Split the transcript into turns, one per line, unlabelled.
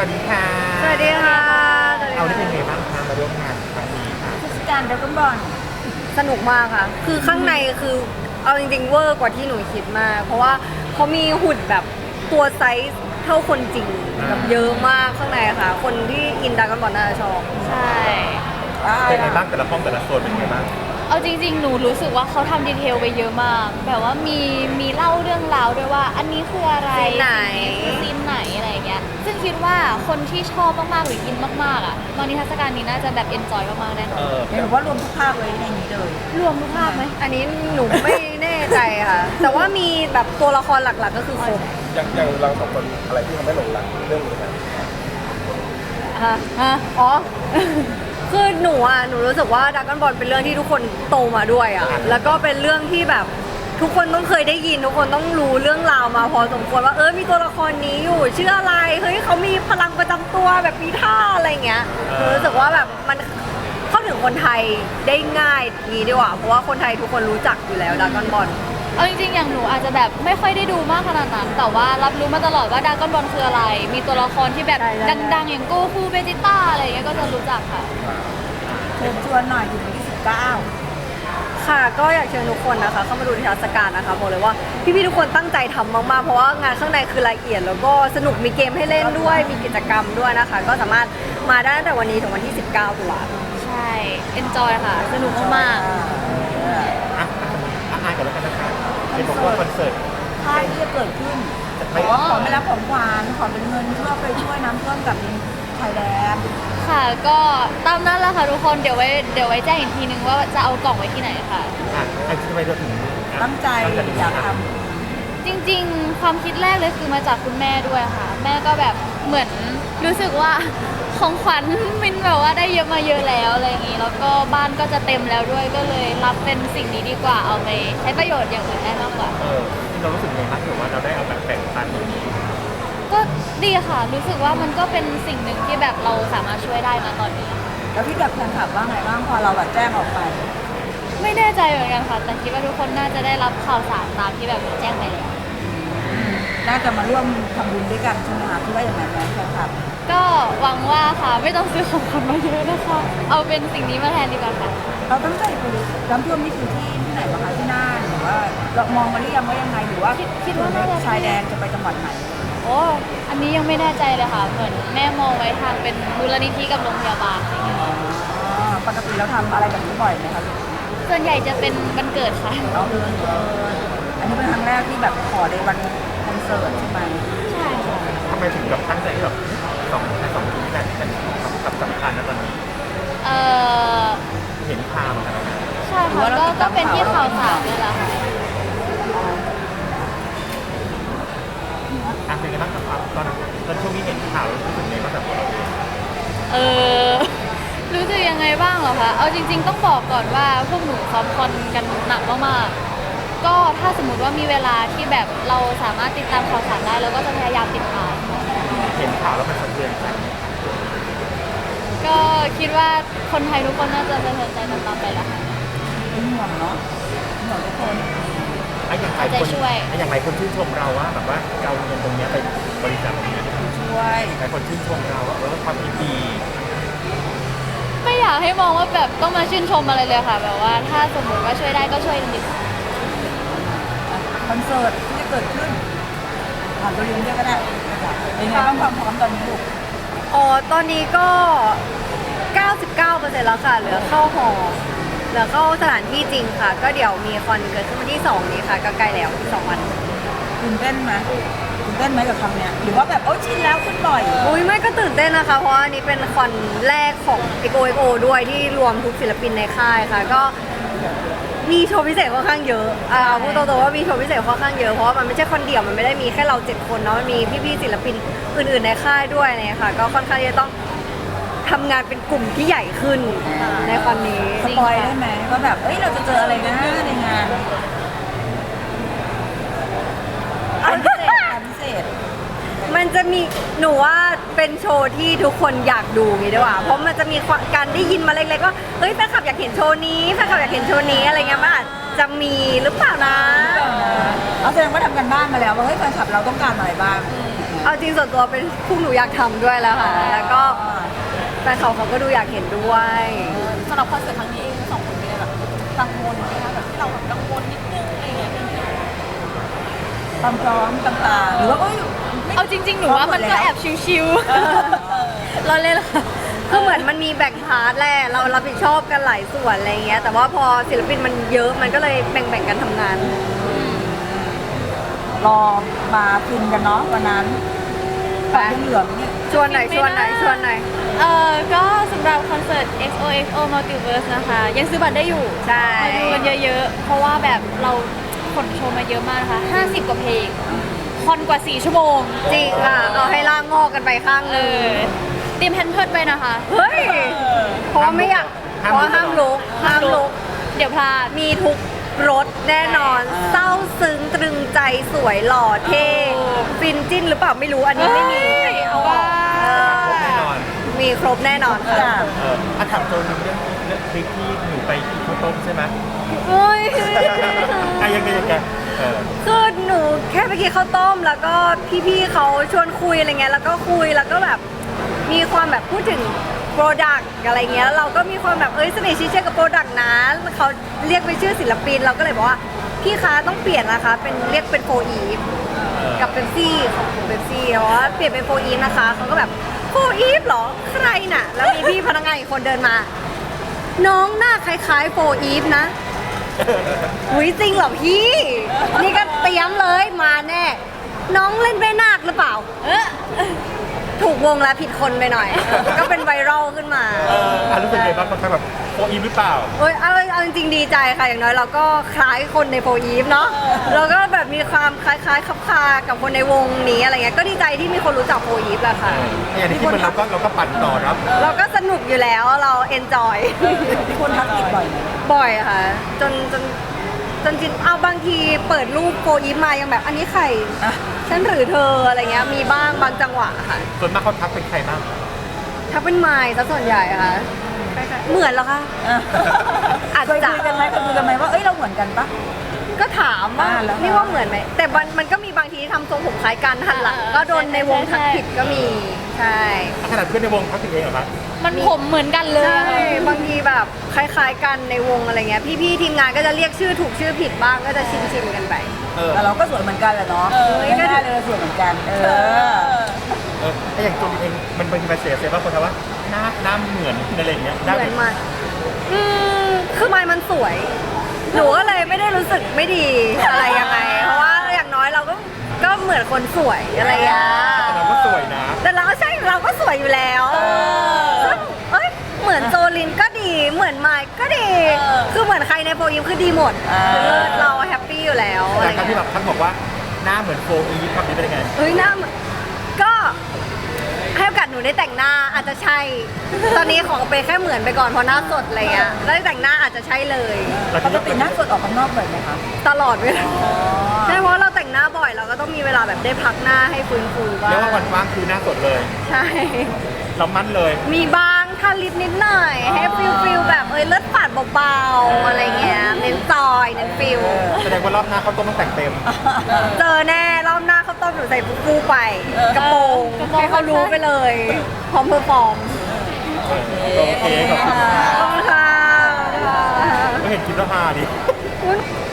วัสดีค่ะ
สวัสดีค่ะ
เอาได้เป็นไงบ้างคะมาร่วมงานครั้งนี้ค่ะ
เทศกาลดราก้อนบอล
สนุกมากค่ะ คือข้างในคือเอาจริงๆเวอร์กว่าที่หนูคิดมาก เพราะว่าเขามีหุ่นแบบตัวไซส์เท่าคนจริงแบบเยอะมากข้างในค่ะ คนที่อินดราก้อนบอลน่าจะชอบ
ใช่
เป็นไงบ้างแต่ละห้องแต่ละโซนเป็นไงบ้าง
เอาจริงๆ หนูรู้สึกว่าเขาทำดีเทลไปเยอะมาก แบบว่ามีเล่าเรื่องราวด้วยว่า อันนี้คืออะไร
ซีนไหน
คือซีนไหนอะไรอย่างเงี้ย ซึ่งคิดว่าคนที่ชอบมากๆหรืออินมากๆอ่ะมานิทรรศการนี้น่าจะแบบเอนจอยมากๆแน่นอน
หรือว่ารวมทุกภาคไว้ในนี้เลย
รวมทุกภาคไหม
อันนี้หนูไม่แน่ใจค่ะ แต่ว่ามีแบบตัวละครหลักๆก็คือครบ
อย่างเราสองคนอะไรที่ทำให้หลงรักเรื่องนี้ครับ
อ๋อ คือหนูรู้สึกว่าดราก้อนบอลเป็นเรื่องที่ทุกคนโตมาด้วยอ่ะ แล้วก็เป็นเรื่องที่แบบทุกคนต้องเคยได้ยินทุกคนต้องรู้เรื่องราวมาพอสมควรว่ามีตัวละครนี้อยู่ชื่ออะไร เฮ้ยเขามีพลังประจำตัวแบบมีท่าอะไรเงี้ยหนูรู้สึกว่าแบบมันเข้าถึงคนไทยได้ง่ายนี้ดีกว่า เพราะว่าคนไทยทุกคนรู้จักอยู่แล้วดราก้อนบอล
เอาจริงๆ อย่างหนูอาจจะแบบไม่ค่อยได้ดูมากขนาดนั้น แต่ว่ารับรู้มาตลอดว่าดราก้อนบอลคืออะไร มีตัวละครที่แบบ
ได้
ดังๆ อย่างโกคูเบจิต้าอะไรอย่างเงี้ยก็จะรู้จักค่ะ
เชิญชวนหน่อยถึงวันที่19
ค่ะก็อยากเชิญทุกคนนะคะเข้ามาดูนิทรรศการนะคะบอกเลยว่าพี่ๆทุกคนตั้งใจทำมากๆเพราะว่างานข้างในคือละเอียดแล้วก็สนุกมีเกมให้เล่นด้วยมีกิจกรรมด้วยนะคะ ก็สามารถมาได้ตั้งแต่วันนี้ถึงวันที่ 19 ตุลาคม
ใช่เอนจอยค่ะ สนุกมากๆ
อ่านกันแล้วกันนะคะเป็นบอกว่าคอนเสิร์ต
ค่ายที่จะเกิดขึ้น
ไม่
บอกว่าขอไม่รับของขวัญขอเป็นเงินเพื่อไปช่วยน้ำท่วมกับไทยแลนด์
ค่ะก็ตามนั้นแหละค่ะทุกคนเดี๋ยวไว้แจ้งอีกทีนึงว่าจะเอากล่องไว้ที่ไหนค่ะ
ไอ้ทำไมเราถึง
ตั้งใจอยากท
จริงๆ ความคิดแรกเลยคือมาจากคุณแม่ด้วยค่ะ แม่ก็แบบเหมือนรู้สึกว่าของขวัญมินแบบว่าได้เยอะมาเยอะแล้วอะไรอย่างงี้แล้วก็บ้านก็จะเต็มแล้วด้วยก็เลยรับเป็นสิ่งนี้ดีกว่าเอาไปใช้ประโยชน์อย่างอื่นได้มากกว่า
เรารู้สึกไงบ้างถือว่าเราได้เอาแบบแบ่งปันตรงนี้
ก็ดีค่ะ รู้สึกว่ามันก็เป็นสิ่งหนึ่งที่แบบเราสามารถช่วยได้นะตอนนี้
ำแล้วพี่กับแฟนคลับว่าไงบ้างพอเราแบบแจ้งออกไป
ไม่แน่ใจเหมือนกันค่ะ แต่คิดว่าทุกคนน่าจะได้รับข่าวสารตามที่แบบแจ้งไปแล้ว
น่าจะมาร่วมทำบุญด้วยกันใช่ไหมคะที่ว่าอย่างไรแฟนคลับ
ก็หวังว่าค่ะไม่ต้องซื้อของขวัญมาเยอะนะคะ เอาเป็นสิ่งนี้มาแทนดีกว่าค่ะ
เราตั้งใจไปน้ำท่วมนี่คือที่ไหนบ้างคะที่น่านหรือว่าเรามองมาหรือยังว่ายังไงหรือว่า
คิดว่าน่าจะ
ชายแดนจะไปจังหวัดไหน
โอ้อันนี้ยังไม่แน่ใจเลยค่ะ เหมือนแม่มองไว้ทางเป็นมูลนิธิกับโรงพยาบาลอะไรอย่างเงี้ย
ปกติเราทำอะไรแบบนี้บ่อยไหมคะ
ส่วนใหญ่จะเป็นวันเกิดค่ะ
เราอันนี้เป็นครั้งแรกที่แบบขอในวันคอนเสิร์ตใช่ไหม
ใช่ค่ะ
ทำไมถึงแบบตั้งใจที่แบบสองที่นี่เป็นสำคัญนะตอนนี้
เออ
เห็นข่าวเหมือนกัน
ใช่ค่ะก็เป็นที่ข่าวสารนี่แหละค่ะ
เป็นไงบ้างครับตอนช่วงนี้เห็นข่าวรู้สึกไงบ้างแบบเรา
เออ รู้สึกยังไงบ้างเหรอคะ เอาจริง ๆ ต้องบอกก่อนว่าพวกหนูซ้อมคอนกันหนักมากๆ ก็ถ้าสมมติว่ามีเวลาที่แบบเราสามารถติดตามข่าวสารได้เราก็จะพยายามติดตาม
เห็นข่าวแล้วมันสะเทือนใจ
ก็คิดว่าคนไทยทุกคนน่าจะสะเทือนใจตามๆไปแล้วค่ะ
เป็นห่วงเนาะเป็นห่วงทุกคน
อย่างไรคนชื่นชมเราว่าแบบว่าเราเงินตรงนี้ไปบริจาคตรงนี้
ช่วย
หลายคนชื่นชมเราว่าความดี
ไม่อยากให้มองว่าแบบต้องมาชื่นชมอะไรเลยค่ะ แบบว่าถ้าสมมติว่าช่วยได้ก็ช่วยจริง
คอนเสิร์ตที่จะเกิดขึ้นผ่านตัวเองด้วยก็ได้เป็นไงบ้างความพร้อมตอนนี้ลูก
อ๋อตอนนี้ก็ 99% แล้วค่ะเหลือเข้าหอเหลือเข้าสถานที่จริงค่ะ ก็เดี๋ยวมีคอนเกิดขึ้นวันที่ 2 นี้ค่ะก็ใกล้แล้วอีก2 วัน
ตื่นเต้นไหมตื่นเต้นไหมกับคำเนี้ยหรือว่าแบบโอ้ชินแล้วขึ้นบ่อย
อุ้ยไม่ก็ตื่นเต้นนะคะ เพราะว่าอันนี้เป็นคอนแรกของ XOXO ด้วยที่รวมทุกศิลปินในค่ายค่ะ ก็มีโชว์พิเศษค่อนข้างเยอะพูดตรงๆว่ามีโชว์พิเศษค่อนข้างเยอะเพราะว่ามันไม่ใช่คอนเดี่ยวมันไม่ได้มีแค่เรา7 คนเนาะมันมีพี่ๆศิลปินอื่นๆในค่ายด้วยเนี่ยค่ะ ก็ค่อนข้างที่จะต้องทำงานเป็นกลุ่มที่ใหญ่ขึ้นในคอนนี้
สปอยได้ไหมว่าแบบเอ้ยเราจะเจออะไรนะในงานอันพิเศษอันพิเศษ
มันจะมีหนูว่าเป็นโชว์ที่ทุกคนอยากดูงี้ดีกว่าเพราะมันจะมีการได้ยินมาเล็กๆว่าเฮ้ยแฟนคลับอยากเห็นโชว์นี้แฟนคลับอยากเห็นโชว์นี้อะไรเงี้ยมันอาจจะมีหรือเปล่านะ
เอาแสดงว่าทำกันบ้านมาแล้วว่าเฮ้ยแฟนคลับเราต้องการอะไรบ้าง
เอาจริงส่วนตัวเป็นพวกหนูอยากทำด้วยแล้วค่ะ แล้วก็แฟนเขาก็ดูอยากเห็นด้วย
สำหรับคอนเสิร์ตครั้งนี้เองสองคนมีอะไรแบบกังวลไหมคะแบบที่เราแบบกังวลนิดนึงอะไรอย่างเงี้ยความพร้อมต่างๆหรือว่าก็อยู่
เอาจริง ๆ หนูว่ามันก็แอบชิวๆเราเล่นค่ะ
คือเหมือนมันมีแบ่งพาร์ทแหละเรารับผิดชอบกันหลายส่วนอะไรเงี้ย แต่ว่าพอศิลปินมันเยอะมันก็เลยแบ่งๆกันทำงาน
รอมาฟินกันเนาะวันนั้น
ไป
ปัดเหลืองเนี่ย
ชวนหน่อยชวนหน่อยชวนหน่อย
ก็สำหรับคอนเสิร์ต XOXO Multiverse นะคะ ยังซื้อบัตรได้อยู่
ใช่
มาดูกันเยอะๆ เพราะว่าแบบเราขนโชว์มาเยอะมากนะคะ 50 กว่าเพลง คอนกว่า 4 ชั่วโมง
จริงค่ะเอาให้ล่างงอกกันไปข้างหนึง
เตรียมแพนเพิร์ดไปนะคะ
เฮ้ยเพราะว่าไม่อยากเพราะว่าห้ามลุกห้ามลุก
เดี๋ยวพลาด
มีทุกรสแน่นอน เศร้าซึ้งตรึงใจสวยหล่อเท่ฟินจิ้นหรือเปล่าไม่รู้อันนี้ไม่มี
เฮ้ย
เอาออก
ครบแน่นอน
มีครบแน่นอนค่ะ
ถามโจนเรื่องคลิปที่หนูไปกินข้าวต้มใช่ไหม
เฮ้ย
ยังไง
คือหนูแค่ไปกินข้าวต้มแล้วก็พี่ๆเขาชวนคุยอะไรเงี้ยแล้วก็คุยแล้วก็แบบมีความแบบพูดถึงโปรดักต์อะไรเงี้ยเราก็มีความแบบเสน่ห์ชี้เชื่อกับโปรดักต์นะเขาเรียกเป็นชื่อศิลปินเราก็เลยบอกว่าพี่คะต้องเปลี่ยนนะคะเป็นเรียกเป็นโฟอีฟกับเบปซี่ของเบปซี่เพราะว่าเปลี่ยนเป็นโฟอีฟนะคะเขาก็แบบโฟอีฟเหรอใครน่ะแล้วมีพี่พนักงานอีกคนเดินมา น้องหน้าคล้ายๆโฟอีฟนะ อุ้ยจริงเหรอพี่ นี่ก็เตรียมเลยมาแน่ น้องเล่นแม่นาคหรือเปล่า ถูกวงแล้วผิดคนไปหน่อย ก็เป็นไวรัลขึ้นมา
รู้สึกไงบ้างเขาแบบโออีหรือเปล่า
เอ้ยเอาจริงๆดีใจค่ะอย่างน้อยเราก็คล้ายคนในโฟอีฟเนาะเราก็แบบมีความคล้ายๆคับคากับคนในวงนี้อะไรเงี้ยก็ดีใจที่มีคนรู้จักโฟอีฟแหละค่ะ
อย่างที่คิดมันเราก็ปั่นต่อรับ
เราก็สนุกอยู่แล้วเราเอนจอย
มีคนทักติดบ่อยไหม
บ่อยค่ะ จนจริงเอาบางทีเปิดรูปโฟอีฟมายังแบบอันนี้ใครฉันหรือเธออะไรเงี้ยมีบ้างบางจังหวะค่ะ
ส่วนมากเขาทักเป็นใครบ้าง
ถ้าเป็นไมล์ซะส่วนใหญ่ค่ะเหมือนเหรอคะ อาจ
เคย
จะ
คุยกันไหมว่าเอ้ยเราเหมือนกันปะ
ก็ถามว่า
แล้ว
นี่ว่าเหมือนไหมแต่มันก็มีบางทีที่ทำทรงผมคล้ายกันหันหลังก็โดนในวงทักผิดก็มีใช่
ขนาดเพื่อนในวงทักถึงเองเหรอครับ
มันผมเหมือนกันเลย
ใช่
อะค่ะ
บางทีแบบคล้ายๆกันในวงอะไรเงี้ยพี่ๆทีมงานก็จะเรียกชื่อถูกชื่อผิดบ้างก็จะชินๆกันไป
แต่เราก็สวยเหมือนกันแหละเนาะไม่ได้เลยสวยเหมือนกัน
ถ้าอย่างตัวเองมันเป็นมาเสียว่าคนทว่าหน้าเหมือนอะไรอย่างเงี้ย
เหมือนมันคือไม้มันสวย หนูก็เลยไม่ได้รู้สึกไม่ดีอะไรยังไง เพราะว่าอย่างน้อยเราก็เหมือนคนสวยอะไรอย่างเงี้ย
แต่เราก็สวยนะ
แต่เราก็ใช่เราก็สวยอยู่แล้วซึ่งเอ้ยเหมือนโจลินก็ดี เหมือนไมค์ก็ดี คือเหมือนใครในโฟยิมคือดีหมดคือเลิศเราแฮปปี้อยู่แล้วอะไร
แต่การที่
เงี้ย
แบบท่านบอกว่าหน้าเหมือนโฟอีฟครับนี่เป็นยังไง
เฮ้ยหน้าเหมือนก็ให้โอกาสหนูได้แต่งหน้าอาจจะใช่ ตอนนี้ขอไปแค่เหมือนไปก่อนเพราะหน้าสดอะไรเงี้ยแล้วแต่งหน้าอาจจะใช่เลย
ปกติหน้าสดออกข้างนอกบ่อยไหมคะ
ตลอดเวลาใช่เพราะเราแต่งหน้าบ่อยเราก็ต้องมีเวลาแบบได้พักหน้าให้ฟื้นฟูบ้าง
เรียกว่าวันว่างคือหน้าสดเลย
ใช่
เรามั่นเลย
มีบ้างทาลิปนิดหน่อย ให้ฟิลแบบเลือดฝาดเบาๆอะไรเงี้ยเน้นจอยเน้นฟิล
แสดงว่ารอบหน้าเขาต้องแต่งเต็ม
เจอแน่รอบหน้าเขาวต้มหนูใส่ฟูไปกระโปรงให้เขารู้ไปเลยพร้อมเพอร์ฟอร์ม
โอเคขอบคุณ
ขอบคุณค่ะ
ก็เห็นคลิปแล้วฮาดิ
อุ๊ย